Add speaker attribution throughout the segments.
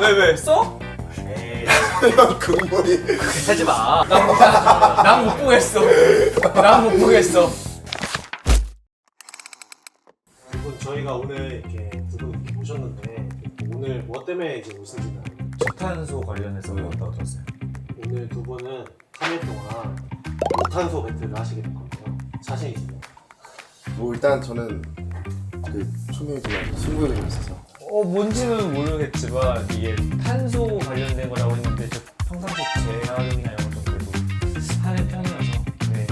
Speaker 1: 왜 써?
Speaker 2: 형 근본이
Speaker 1: 하지 마. 난 못 보겠어. 난 못 보겠어.
Speaker 3: 여러분 저희가 오늘 이렇게 두 분 이렇게 모셨는데 오늘 뭐 때문에 이제 오신지는
Speaker 1: 저탄소 관련해서 왔다고 들었어요.
Speaker 3: 오늘 두 분은 3일 동안 무탄소 배틀을 하시게 될 건데요. 자신 있으세요?
Speaker 2: 뭐 일단 저는 그 초미지만 승부욕이 좀 있어서
Speaker 1: 뭔지는 모르겠지만 이게 탄소 관련된 거라고 했는데 저 평상시 재활용이나 이런 것도 그래도 하는 편이어서 네.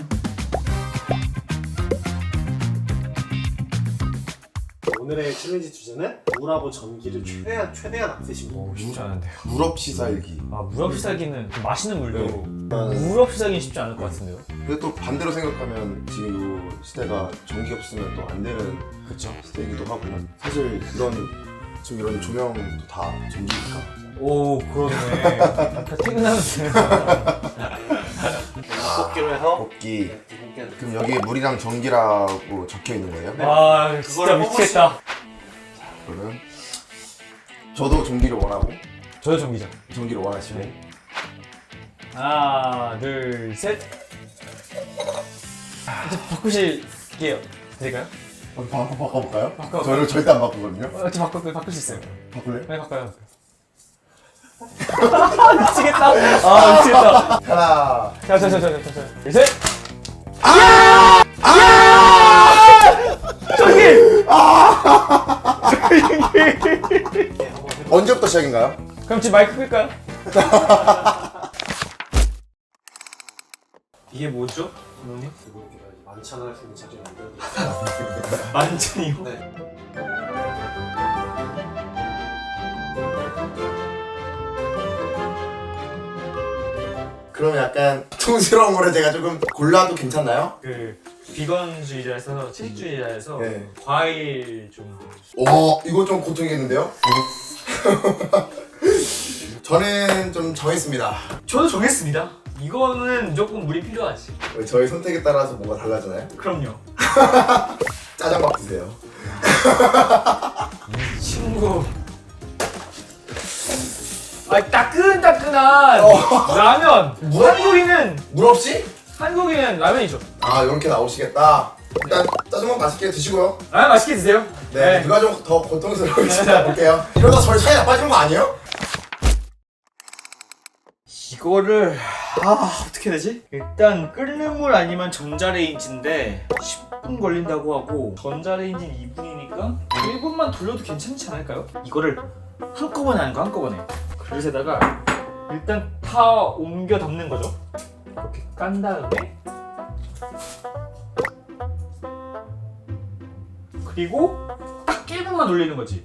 Speaker 3: 오늘의 챌린지 주제는 물하고 전기를 최대한 안 쓰시고
Speaker 1: 오, 쉽지 않은데요.
Speaker 2: 물 없이 살기.
Speaker 1: 물 없이 살기는 좀 맛있는 물도
Speaker 2: 네.
Speaker 1: 물 없이 살기는 쉽지 않을 것 같은데요.
Speaker 2: 근데 또 반대로 생각하면 지금 이 시대가 전기 없으면 또 안 되는
Speaker 1: 그렇죠.
Speaker 2: 시대이기도 하고 사실 지금 이런 조명도 다 전기니까.
Speaker 1: 오 그러네. 퇴근하면
Speaker 3: 뽑기로 해서
Speaker 2: 뽑기.
Speaker 3: 두 분께
Speaker 2: 그럼 여기 물이랑 전기라고 적혀 있는 거예요?
Speaker 1: 와 진짜
Speaker 3: 그걸
Speaker 1: 미치겠다.
Speaker 2: 그러면 저도 전기를 원하고
Speaker 1: 저도 전기죠.
Speaker 2: 전기를 원하시고
Speaker 1: 하나 둘 셋. 이제 바꾸실게요. 될까요?
Speaker 2: 바꿔볼까요?
Speaker 1: 바꿔.
Speaker 2: 저를 절대 안 바꾸거든요.
Speaker 1: 저 바꿀 수 있어요.
Speaker 2: 바꿀래?
Speaker 1: 네 바꿔요. 미치겠다. 미치겠다.
Speaker 2: 하나.
Speaker 1: 자, 셋.
Speaker 2: 언제부터 시작인가요?
Speaker 1: 그럼 지금 마이크 끌까요? 이게 뭐죠, 감독님?
Speaker 3: 두 분께 만찬을 할 수 있는 자리를 만들어드렸습니다.
Speaker 1: 만찬이요?
Speaker 3: 네.
Speaker 2: 그럼 약간 통스러운 거를 제가 조금 골라도 괜찮나요?
Speaker 1: 그 비건주의자에서 채식주의자에서
Speaker 2: 네.
Speaker 1: 과일 좀.
Speaker 2: 이거 좀 고통이겠는데요? 저는 좀 정했습니다.
Speaker 1: 저도 정했습니다. 이거는 무조건 물이 필요하지.
Speaker 2: 저희 선택에 따라서 뭐가 달라지나요?
Speaker 1: 그럼요.
Speaker 2: 짜장밥 드세요.
Speaker 1: 친구. 따끈따끈한 라면.
Speaker 2: 물 없이?
Speaker 1: 한국인은 라면이죠.
Speaker 2: 이렇게 나오시겠다. 일단 짜장밥 맛있게 드시고요.
Speaker 1: 라면 맛있게 드세요.
Speaker 2: 네, 누가 좀 더 고통스러울지 볼게요. 이러다 저희 사이 나빠지는 거 아니에요?
Speaker 1: 이거를 어떻게 되지? 일단 끓는 물 아니면 전자레인지인데 10분 걸린다고 하고 전자레인지는 2분이니까 1분만 돌려도 괜찮지 않을까요? 이거를 한꺼번에 하는 거 한꺼번에. 그릇에다가 일단 다 옮겨 담는 거죠. 이렇게 깐 다음에 그리고 딱 1분만 돌리는 거지.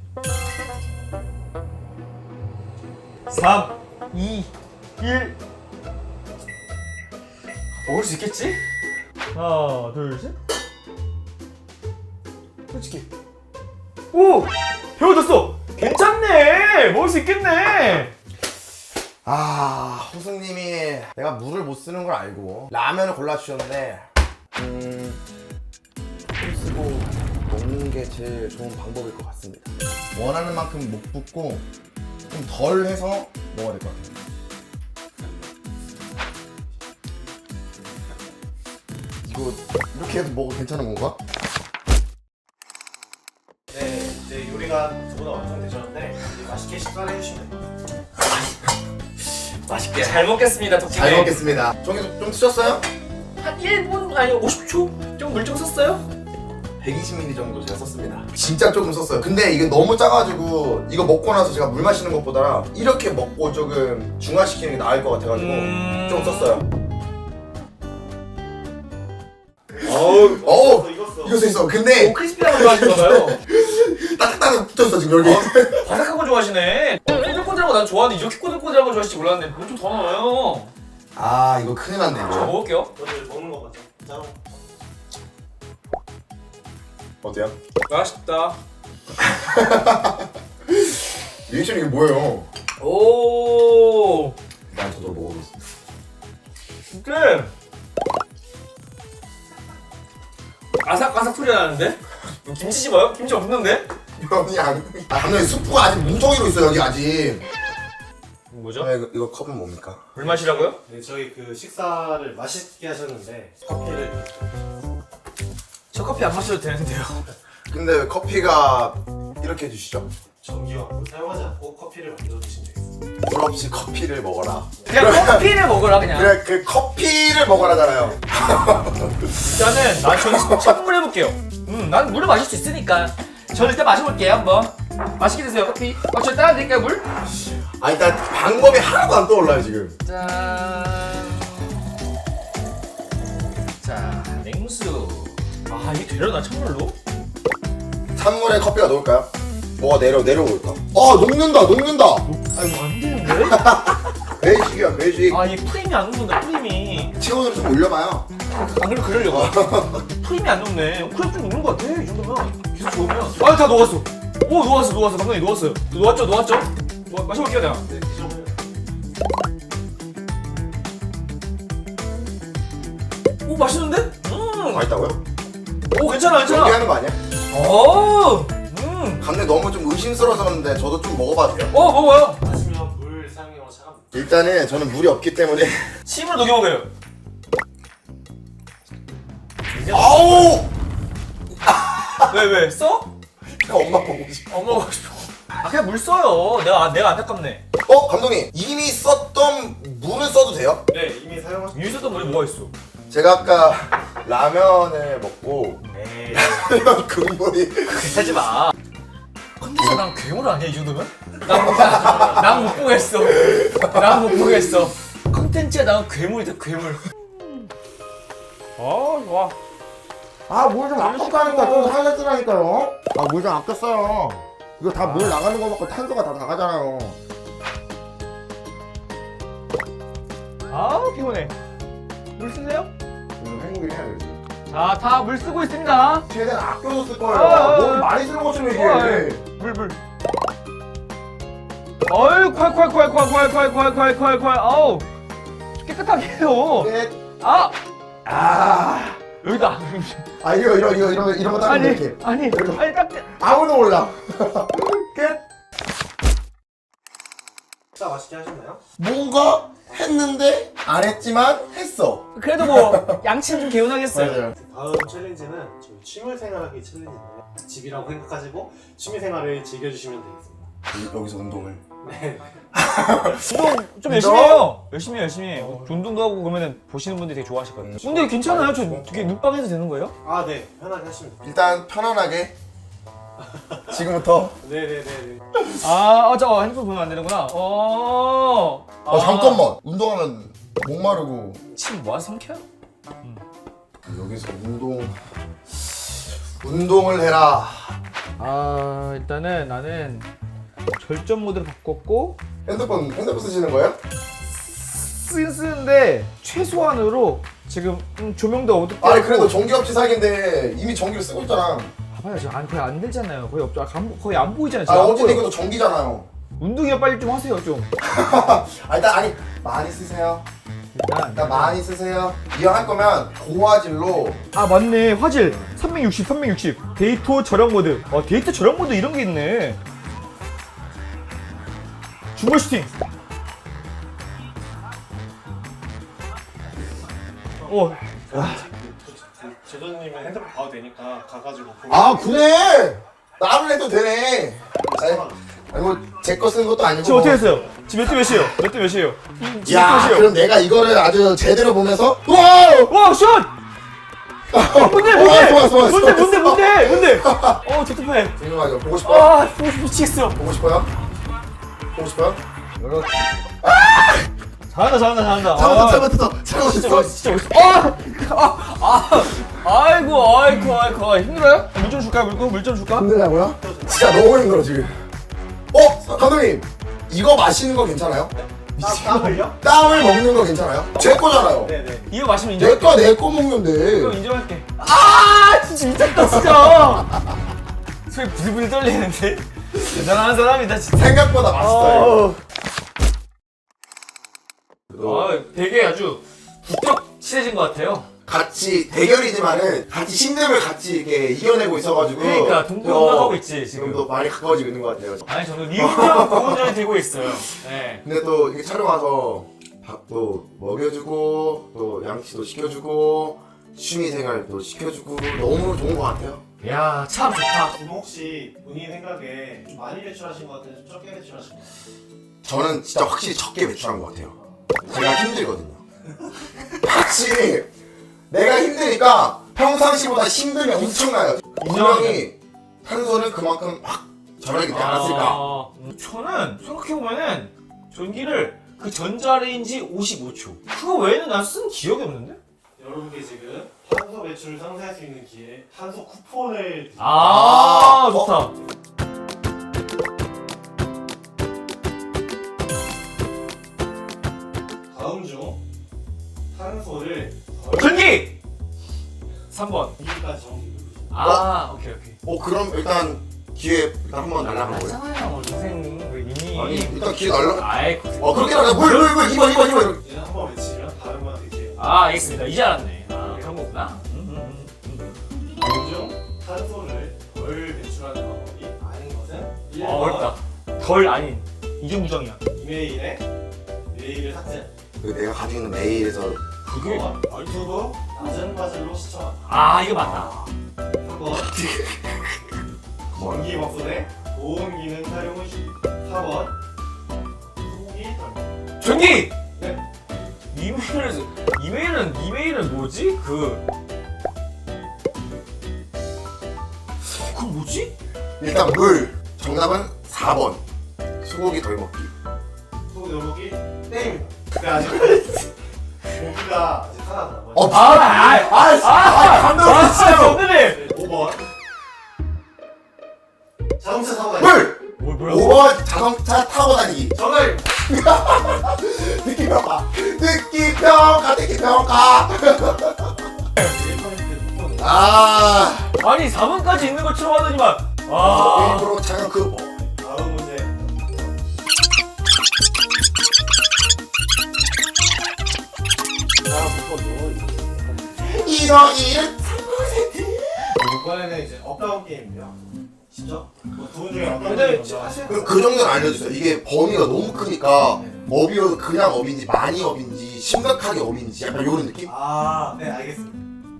Speaker 1: 3, 2, 1. 먹을 수 있겠지? 하나, 둘, 셋. 솔직히. 오! 배워졌어! 괜찮네! 먹을 수 있겠네!
Speaker 2: 호승님이 내가 물을 못 쓰는 걸 알고 라면을 골라주셨는데 물 쓰고 먹는 게 제일 좋은 방법일 것 같습니다. 원하는 만큼 못 붓고 좀 덜 해서 먹어야 될 것 같아요. 이거 이렇게 해도 먹어도 괜찮은 건가?
Speaker 3: 네, 이제 요리가 두 분 다 완성되셨는데 이제 맛있게 식사를 해주시면 됩니다.
Speaker 1: 맛있게 잘 먹겠습니다, 덕분에.
Speaker 2: 잘 먹겠습니다. 저기 좀 드셨어요?
Speaker 1: 한 1분, 아니 50초? 좀 물 좀 썼어요?
Speaker 2: 120ml 정도 제가 썼습니다. 진짜 조금 썼어요. 근데 이게 너무 짜가지고 이거 먹고 나서 제가 물 마시는 것보다 이렇게 먹고 조금 중화시키는 게 나을 것 같아가지고 좀 썼어요. 익었어 있어. 근데
Speaker 1: 크리스피한 거 좋아하시나봐요.
Speaker 2: 따뜻하게 붙었어 지금 여기.
Speaker 1: 바삭한 거 좋아하시네. 꼬들꼬들한 거 난 좋아하는데 이렇게 꼬들꼬들한 거 좋아하실지 몰랐는데 뭐 좀 더 넣어요.
Speaker 2: 이거 큰일 났네.
Speaker 1: 저
Speaker 2: 이거.
Speaker 1: 먹을게요.
Speaker 3: 오늘 먹는 거 맞죠? 자,
Speaker 2: 어때요?
Speaker 1: 맛있다.
Speaker 2: 리액션 이게 뭐예요?
Speaker 1: 오.
Speaker 2: 난 저도 먹어보겠습니다.
Speaker 1: 근데 아삭아삭 소리가 나는데? 김치 집어요? 김치 없는데?
Speaker 2: 면이 안. 감독님 스프가 아직 무더기로 있어 여기 아직.
Speaker 1: 뭐죠?
Speaker 2: 이거 컵은 뭡니까?
Speaker 1: 물 마시라고요?
Speaker 3: 네, 저희 그 식사를 맛있게 하셨는데 커피를
Speaker 1: 저 커피 안 마셔도 되는데요.
Speaker 2: 근데 왜 커피가 이렇게 해주시죠?
Speaker 3: 전기와 사용하지 않고 커피를 만들어 주시면 되겠습니다.
Speaker 2: 물 없이 커피를 먹어라.
Speaker 1: 그냥 커피를 먹으라 그냥.
Speaker 2: 그래 그 커피를 먹어라잖아요.
Speaker 1: 일단은 나 저는 선물 해볼게요. 난 물을 마실 수 있으니까. 저는 일단 마셔볼게요 한번. 맛있게 드세요 커피. 저 따라 드릴까요 물?
Speaker 2: 아 일단 방법이 하나도 안 떠올라요 지금.
Speaker 1: 짠. 자 냉수. 아 이게 되려나 찬물로?
Speaker 2: 찬물에 커피가 녹을까요? 뭐가 내려올까? 녹는다.
Speaker 1: 아이고 안 되는데?
Speaker 2: 배식이야 배식.
Speaker 1: 아 이 프림이 안 녹는다 프림이.
Speaker 2: 체온을 좀 올려봐요.
Speaker 1: 안 그래도 그러려고. 프림이 안 녹네. 그래 좀 녹는 것 같아 이 정도면. 계속 좋으면. 아 다 녹았어. 오 녹았어 감독님 녹았어요. 녹았죠? 마셔볼게요 내가.
Speaker 3: 네, 기존에
Speaker 1: 오 맛있는데?
Speaker 2: 맛있다고요?
Speaker 1: 오 괜찮아.
Speaker 2: 연기하는 거 아니야?
Speaker 1: 오.
Speaker 2: 근데 너무 좀 의심스러웠는데 저도 좀 먹어봐도 돼요?
Speaker 1: 먹어요.
Speaker 3: 마시면 물 사용량으로 차갑니다.
Speaker 2: 일단은 저는 물이 없기 때문에.
Speaker 1: 침을 녹여 먹어요.
Speaker 2: 아우!
Speaker 1: 왜 써?
Speaker 2: 엄마 보고 싶어.
Speaker 1: 엄마 먹고 싶어. 아 그냥 물 써요. 내가 안타깝네.
Speaker 2: 감독님 이미 썼던 물을 써도 돼요?
Speaker 3: 네, 이미 사용하신
Speaker 1: 위에 썼던 물이 뭐가 있어?
Speaker 2: 제가 아까 라면을 먹고
Speaker 1: 에이.
Speaker 2: 라면 국물이
Speaker 1: 하지 마. 컨텐츠 난 괴물 아니야 이 정도면? 난 못 보겠어. 컨텐츠가 난 괴물이다 괴물. 좋아.
Speaker 2: 물 좀 아꼈다니까 좀 살렸으라니까요. 물 좀 아꼈어요. 이거 다 물 나가는 거 먹고 탄소가 다 나가잖아요.
Speaker 1: 피곤해. 물 쓰세요?
Speaker 2: 행복이 해야 되지.
Speaker 1: 자, 다 물 쓰고 있습니다.
Speaker 2: 최대한 아껴서 쓸 거예요.
Speaker 1: 아,
Speaker 2: 뭘 많이 쓰는 것처럼
Speaker 1: 물.
Speaker 2: 얘기해.
Speaker 1: 어이, 콸. 아우. 깨끗하게 해요.
Speaker 2: 끝.
Speaker 1: 여기다.
Speaker 2: 이런 거 따면 이렇게.
Speaker 1: 아니, 딱.
Speaker 2: 아무도 몰라. 끝.
Speaker 3: 식사 맛있게 하셨나요?
Speaker 2: 뭔가 했는데 안 했지만 했어.
Speaker 1: 그래도 뭐, 양치는 좀 개운하겠어요.
Speaker 3: 다음 챌린지는 저희 취미생활하기 챌린지인데요. 집이라고 생각하시고 취미생활을 즐겨주시면 되겠습니다.
Speaker 2: 여기서 운동을.
Speaker 3: 네.
Speaker 1: 운동 좀 열심히 해요. 열심히 해. 운동도 하고 그러면 보시는 분들이 되게 좋아하실 거예요. 근데 괜찮아요? 저 되게 눈빵 해도 되는 거예요?
Speaker 3: 아, 네. 편하게 하시면 됩니다.
Speaker 2: 일단 편안하게 지금부터.
Speaker 3: 네네네.
Speaker 1: 잠깐 핸드폰 보면 안 되는구나.
Speaker 2: 잠깐만. 운동하면 목마르고.
Speaker 1: 침 모아서 삼켜요?
Speaker 2: 여기서 운동을 해라.
Speaker 1: 일단은 나는 절전 모드를 바꿨고
Speaker 2: 핸드폰 쓰시는 거예요?
Speaker 1: 쓰는데 최소한으로 지금 조명도 어둡게
Speaker 2: 아니
Speaker 1: 하고.
Speaker 2: 그래도 전기업체 사기인데 이미 전기를 쓰고 있잖아.
Speaker 1: 봐봐요 지금 거의 안 들잖아요. 거의 안 보이잖아요.
Speaker 2: 아
Speaker 1: 지금 안
Speaker 2: 어쨌든
Speaker 1: 보여.
Speaker 2: 이것도 전기잖아요.
Speaker 1: 운동이나 빨리 좀 하세요 좀.
Speaker 2: 일단 많이 쓰세요.
Speaker 1: 일단
Speaker 2: 일단 많이 쓰세요. 이왕 할 거면 고화질로.
Speaker 1: 맞네 화질 360 데이터 저렴 모드. 데이터 저렴 모드 이런 게 있네. 중벌 슈팅.
Speaker 3: 제도님은 핸드폰 봐도 되니까 가가지고
Speaker 2: 그래. 나를 해도 되네. 제 거 쓰는 것도 아니고.
Speaker 1: 지금 어떻게 했어요? 지금 몇 시에요? 지금
Speaker 2: 야,
Speaker 1: 몇 시에요?
Speaker 2: 그럼 내가 이거를 아주 제대로 보면서 와우!
Speaker 1: 와 슛! 뭔데?
Speaker 2: 좋았어.
Speaker 1: 뭔데? 제트팩.
Speaker 2: 궁금하죠? 보고 싶어요?
Speaker 1: 미치겠어.
Speaker 2: 보고 싶어요?
Speaker 1: 잘한다.
Speaker 2: 잘못했어.
Speaker 1: 진짜 멋있어. 아이고 힘들어요? 물 좀 줄까요? 물 좀 줄까?
Speaker 2: 힘들다고요? 진짜 너무 힘들어 지금. 감독님 이거 마시는 거 괜찮아요?
Speaker 3: 땀을요?
Speaker 2: 땀을 먹는 거 괜찮아요? 제 거잖아요.
Speaker 3: 네네.
Speaker 1: 이거 마시면 인정.
Speaker 2: 내 거
Speaker 1: 이거
Speaker 2: 먹는데.
Speaker 1: 인정할게. 진짜 미쳤다 진짜. 손이 부들부들 떨리는데. 대단한 사람이다 진짜.
Speaker 2: 생각보다 맛있어요.
Speaker 1: 되게 아주 부쩍 친해진 것 같아요.
Speaker 2: 같이 대결이지만은 같이 힘듦을 같이 이렇게 이겨내고 있어가지고
Speaker 1: 그러니까 동동하고 있지
Speaker 2: 지금도
Speaker 1: 지금.
Speaker 2: 많이 가까워지고 있는 것 같아요.
Speaker 1: 아니 저는 리우랑 공원전이 되고 있어요. 네.
Speaker 2: 근데 또 이게 촬영 와서 밥도 먹여주고 또 양치도 시켜주고 취미생활도 시켜주고 너무 좋은 것 같아요.
Speaker 1: 야, 참 좋다.
Speaker 3: 지금 혹시 본인 생각에 좀 많이 배출하신 것 같아요? 좀 적게 배출하신 것 같아요?
Speaker 2: 저는 진짜 확실히 적게 배출한 것 같아요. 제가 힘들거든요. 확실히 내가 힘드니까 평상시보다 힘듦이 엄청나요. 분명히 탄소는 그만큼 확 절약이 되지 않았을까.
Speaker 1: 저는 생각해보면은 전기를 그 전자레인지 55초. 그거 외에는 난 쓴 기억이 없는데?
Speaker 3: 여러분께 지금 탄소 배출을 상쇄할 수 있는 기회 탄소 쿠폰을 드립니다.
Speaker 1: 좋다.
Speaker 3: 다음 중 탄소를
Speaker 1: 전기! 3번.
Speaker 3: 2위까지 정리 누르시면
Speaker 1: 오케이.
Speaker 2: 그럼 일단 기회 일단 한번 날라간 거예요.
Speaker 1: 알잖아요, 선생님. 이미.
Speaker 2: 아니 일단 기회 날라.
Speaker 1: 아이,
Speaker 2: 그렇게 날라. 물 2번.
Speaker 3: 얘는 한번 외치면 다른 분한테 기회.
Speaker 1: 알겠습니다. 이제 알았네. 그런 거구나.
Speaker 3: 다음 중 탄소를 덜 배출하는 방법이 아닌 것은 1번
Speaker 1: 어렵다. 덜 아닌. 이중부정이야.
Speaker 3: 이메일에 메일을 삭제
Speaker 2: 내가 가지고 있는 메일에서
Speaker 3: 2번 유튜브 낮은 화질로 시청한다
Speaker 1: 이거 맞다.
Speaker 3: 3번 전기 밥솥에 고온 기능 사용을 시 4번 소고기 덜
Speaker 1: 전기!
Speaker 3: 네.
Speaker 1: 이메일은 뭐지? 그건 뭐지?
Speaker 2: 일단 물. 정답은 4번. 소고기 덜 먹기.
Speaker 3: 소고기 덜 먹기 땡입니다 근데 아직 고기가 아직 하나더라고요
Speaker 1: 진짜 오늘은
Speaker 3: 5번 자동차 사고 다니
Speaker 2: 물.
Speaker 1: 뭐야?
Speaker 2: 5번 자동차 타고 다니기.
Speaker 3: 정답
Speaker 2: 듣기평가.
Speaker 3: 1포인트 쿠폰
Speaker 1: 아니 4번까지 있는 것처럼 하더니만.
Speaker 2: 일부러 잠깐 그
Speaker 3: 다음 문제
Speaker 2: 이러기는
Speaker 3: 이번에는 이제 업다운 게임입니다 진짜? 두분 중에 어떤
Speaker 1: 근데
Speaker 3: 게임 먼저 하실
Speaker 2: 그 정도는 알려주세요. 이게 범위가 너무 크니까 업이 그냥 업인지 많이 업인지 심각하게 업인지 약간 이런 느낌?
Speaker 3: 네 알겠습니다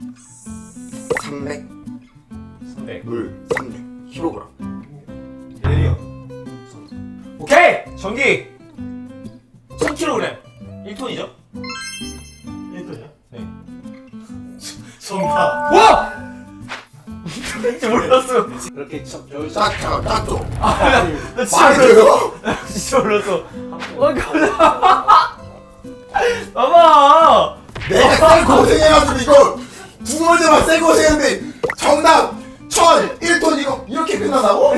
Speaker 2: 300,
Speaker 1: 300.
Speaker 2: 물 300, 킬로그램.
Speaker 3: 예리요
Speaker 1: 오케이! 전기 1000kg 1톤이죠?
Speaker 3: 1분이요?
Speaker 1: 네.
Speaker 3: 정답
Speaker 1: 와! 진짜 몰랐어.
Speaker 3: 그렇게
Speaker 2: 짰죠?
Speaker 1: 나 진짜
Speaker 2: 많이
Speaker 1: 몰랐어.
Speaker 2: 돼요?
Speaker 1: 진짜 몰랐어. 깜짝이야. 봐봐.
Speaker 2: 내가 쌩 고생해가지고 이거 두 번째만 쌩 고생했는데 정답 1000, 1톤 이거 이렇게 끝나다고?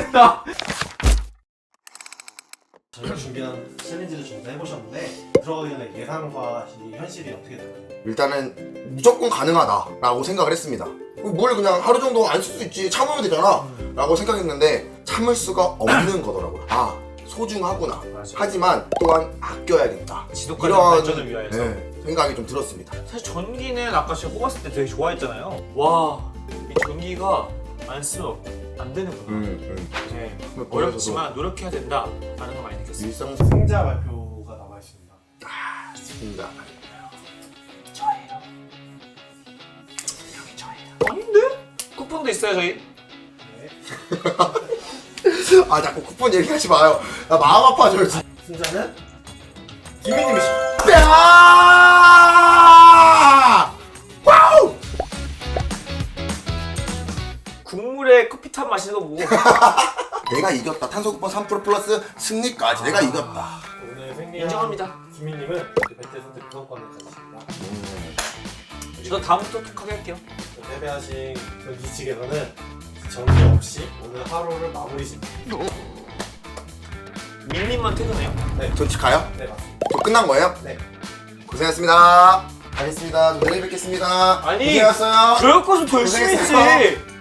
Speaker 3: 저희가 준비한 챌린지를 좀 해보셨는데 들어가기 전에 예상과 이 현실이 어떻게 되나요?
Speaker 2: 일단은 무조건 가능하다라고 생각을 했습니다. 물 그냥 하루 정도 안 쓸 수 있지 참으면 되잖아 라고 생각했는데 참을 수가 없는 거더라고요. 소중하구나.
Speaker 1: 맞아.
Speaker 2: 하지만 또한 아껴야겠다.
Speaker 1: 지독한
Speaker 2: 이런
Speaker 1: 발전을 위하여서.
Speaker 2: 생각이 좀 들었습니다.
Speaker 1: 사실 전기는 아까 제가 뽑았을 때 되게 좋아했잖아요. 와, 이 전기가 안 쓰면 안 되는구나. 네. 어렵지만 노력해야 된다라는 걸 많이 느꼈어요.
Speaker 2: 일상
Speaker 3: 승자 발표가 남아 있습니다.
Speaker 2: 승자.
Speaker 1: 저예요. 여기 저예요. 아닌데? 쿠폰도 있어요 저희.
Speaker 3: 네.
Speaker 2: 자꾸 쿠폰 얘기하지 마요. 나 마음 아파져요. 진짜.
Speaker 3: 승자는 김민님이십니다.
Speaker 2: 와우!
Speaker 1: 국물에 커피탄 마시는 거 보고
Speaker 2: 내가 이겼다. 탄소 쿠폰 3% 플러스 승리까지 내가 이겼다.
Speaker 3: 오늘 승리한
Speaker 1: 인정합니다.
Speaker 3: 김민님은 배틀 선택 구성권을 가지십니다.
Speaker 1: 저 다음부터 톡하게 할게요.
Speaker 3: 패배하신 경기 측에서는 정지 없이 오늘 하루를 마무리 짓니다.
Speaker 1: 민님만 퇴근해요?
Speaker 2: 전치 가요?
Speaker 3: 네 맞습니다.
Speaker 2: 저 끝난 거예요?
Speaker 3: 네.
Speaker 2: 고생했습니다. 가겠습니다. 내일 뵙겠습니다.
Speaker 1: 아니,
Speaker 2: 고생하셨어요.
Speaker 1: 그럴 거좀 더 열심히
Speaker 2: 고생했어요.
Speaker 1: 했지.